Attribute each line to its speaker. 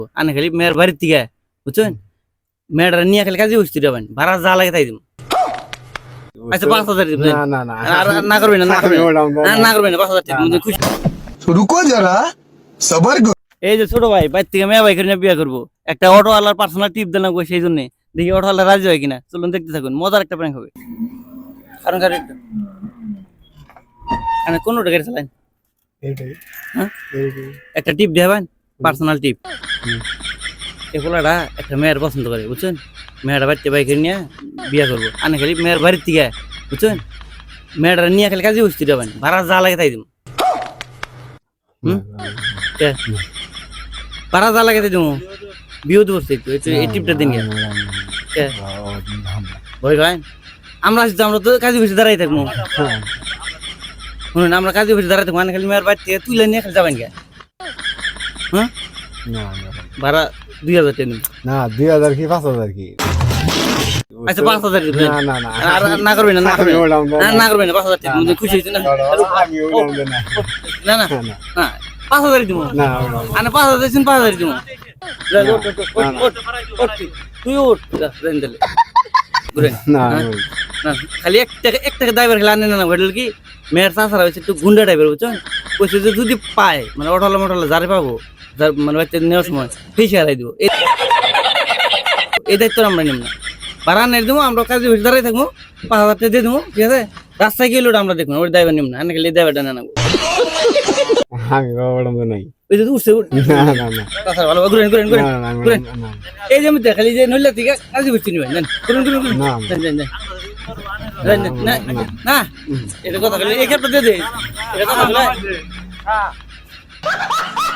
Speaker 1: আনে খালি মেয়ের বাড়ির থেকে বুঝছেন মেয়েটা নিয়ে খালি কাজে বসতে যাবেন ভাড়া যা লাগে তাই দিব আচ্ছা 5,000 দিবেন আর না করবেন না না করবেন 5,000 দিবেন খুশি
Speaker 2: रुको जरा सबर करो।
Speaker 1: এই যে ছোট ভাই বাইর থেকে মেয়ে ভাই করে বিয়ে করবো একটা অটোওয়ালার পার্সোনাল টিপ দেন সেই জন্য দেখি অটোওয়ালা রাজি হয় কিনা চলুন দেখতে থাকুন মজার একটা প্র্যাঙ্ক হবে কারণ গাড়ি মানে কোনটা গাড়ি চালান একটা টিপ দেবেন পার্সোনাল টিপ এগুলাটা একটা মেয়ের পছন্দ করে বুঝছেন মেয়েটা বাড়িতে বাইকের নিয়ে বিয়ে করবো আনে খালি মেয়ের বাড়ির থেকে বুঝছেন মেয়েটা নিয়ে খালি কাজে বসতে যাবেন ভাড়া যা লাগে তাই দিব ভাড়া যা লাগে তাই দিব বিয়ে তো বসতে একটু এই টিপটা দিন ভয় ভাই আমরা তো কাজে বসে দাঁড়াই থাকবো শুনুন আমরা কাজে বসে দাঁড়াই থাকবো আনে খালি মেয়ের বাড়ি থেকে তুলে নিয়ে খালি যাবেন কে হ্যাঁ ভাড়া 2,000 টাকা
Speaker 3: না 2,000 কি 5,000 কি
Speaker 1: আচ্ছা 5,000 দিবেন আর না করবেন না না করবেন 5,000 টাকা মধ্যে খুশি হইছেন না না না 5,000 দিব
Speaker 3: না
Speaker 1: আনে 5,000 দিছেন 5,000 দিব তুই উঠ রেন দিলে ঘুরেন
Speaker 3: না
Speaker 1: না খালি এক টাকা ড্রাইভার খেলা আনে না ঘটল কি মেয়ের চাষারা হয়েছে একটু গুন্ডা টাইপের বুঝছেন কইছে যে যদি পায় মানে অটলা যারে পাবো মানে বাচ্চা নেওয়ার সময় ফিসে হারাই দিব এই দায়িত্ব আমরা নিব না ভাড়া নিয়ে দেবো আমরা কাজে বসে দাঁড়াই থাকবো 5,000 টাকা দিয়ে দেবো ঠিক আছে রাস্তায় গেলে ওটা আমরা দেখবো ওই ড্রাইভার নিব না আনে খালি ড্রাইভারটা না নেবো
Speaker 3: আমি বাবা নাই
Speaker 1: ওই যে উঠছে
Speaker 3: না না
Speaker 1: তাছাড়া ভালো ঘুরেন এই যে আমি দেখালি যে নইলা থেকে কাজে বসে নিবেন জান ঘুরেন না না এটা কথা বলে এই ক্ষেত্রে দিয়ে দে এটা কথা বলে